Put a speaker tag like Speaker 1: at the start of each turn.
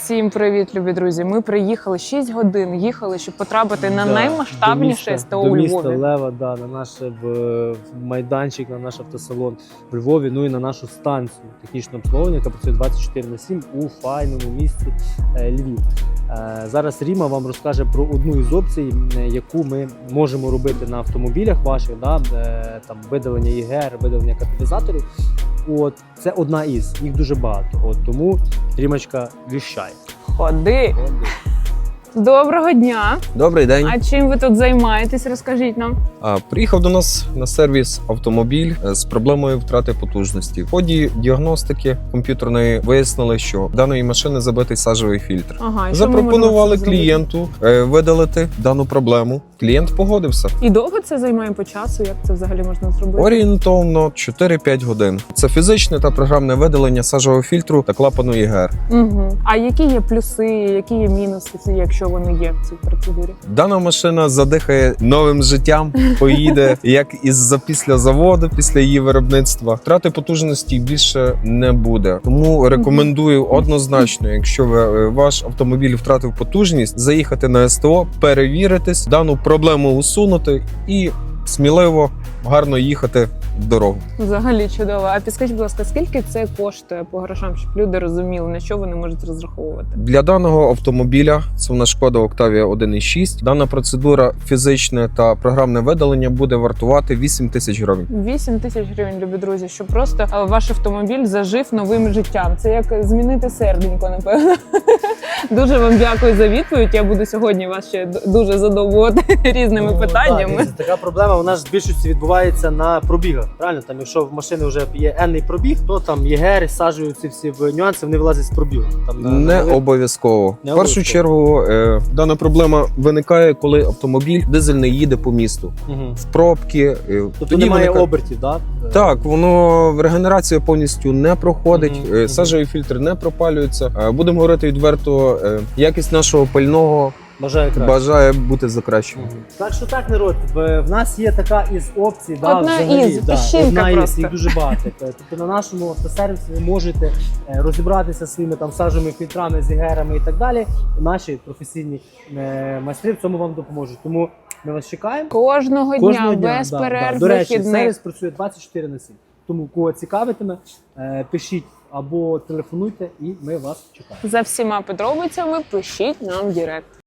Speaker 1: Всім привіт, любі друзі! Ми приїхали 6 годин, їхали, щоб потрапити на наймасштабніше СТО у
Speaker 2: до
Speaker 1: Львові.
Speaker 2: міста Лева, на наш майданчик, на наш автосалон в Львові, ну і на нашу станцію технічного обслуговування, яка працює 24/7 у файному місті Львів. Зараз Ріма вам розкаже про одну із опцій, яку ми можемо робити на автомобілях ваших, там видалення ЄГР, видалення каталізаторів. Це одна із, їх дуже багато. Тому Рімочка віщає.
Speaker 1: Ходи! Доброго дня!
Speaker 3: Добрий день.
Speaker 1: А чим ви тут займаєтесь? Розкажіть нам.
Speaker 3: Приїхав до нас на сервіс автомобіль з проблемою втрати потужності. В ході діагностики комп'ютерної вияснили, що в даної машини забитий сажовий фільтр.
Speaker 1: Ага, і
Speaker 3: запропонували
Speaker 1: що ми
Speaker 3: клієнту видалити дану проблему. Клієнт погодився.
Speaker 1: І довго це займає по часу? Як це взагалі можна зробити?
Speaker 3: Орієнтовно 4-5 годин. Це фізичне та програмне видалення сажового фільтру та клапану ЄГР.
Speaker 1: Угу. А які є плюси, які є мінуси, якщо вони є в цій процедурі?
Speaker 3: Дана машина задихає новим життям, поїде як після заводу, після її виробництва. Втрати потужності більше не буде. Тому рекомендую однозначно, якщо ваш автомобіль втратив потужність, заїхати на СТО, перевіритись, дану проблему усунути і сміливо, гарно їхати в дорогу.
Speaker 1: Взагалі чудово. А підскажіть, будь ласка, скільки це коштує по грошам, щоб люди розуміли, на що вони можуть розраховувати?
Speaker 3: Для даного автомобіля, це в нас Шкода Октавія 1.6, дана процедура фізичне та програмне видалення буде вартувати 8 тисяч гривень.
Speaker 1: 8 тисяч гривень, любі друзі, щоб просто ваш автомобіль зажив новим життям. Це як змінити серденько, напевно. Дуже вам дякую за відповідь. Я буду сьогодні вас ще дуже задоволити різними питаннями.
Speaker 2: Так, така проблема, вона ж в більшості відбувається на пробігах. Правильно? Там, якщо в машини вже є енний пробіг, то там ЄГР, саджуються всі нюанси, вони вилазять з пробігу.
Speaker 3: Не обов'язково. В першу чергу дана проблема виникає, коли автомобіль дизельний їде по місту. В пробки.
Speaker 2: Тобто немає обертів, так?
Speaker 3: Так, регенерація повністю не проходить, сажовий фільтр не пропалюється. Будемо говорити відверто, якість нашого пального бажає бути закращеною.
Speaker 2: Так що так, народ, в нас є така із опцій.
Speaker 1: Одна із, піщинка просто.
Speaker 2: Їх дуже багато. Тобто на нашому автосервісі ви можете розібратися своїми сажовими фільтрами, з ЄГРами і так далі. Наші професійні майстри в цьому вам допоможуть. Тому ми вас чекаємо.
Speaker 1: Кожного дня, без перерв,
Speaker 2: До речі,
Speaker 1: вихідних.
Speaker 2: сервіс працює 24/7. Тому кого цікавитиме, пишіть або телефонуйте, і ми вас чекаємо.
Speaker 1: За всіма подробицями пишіть нам в директ.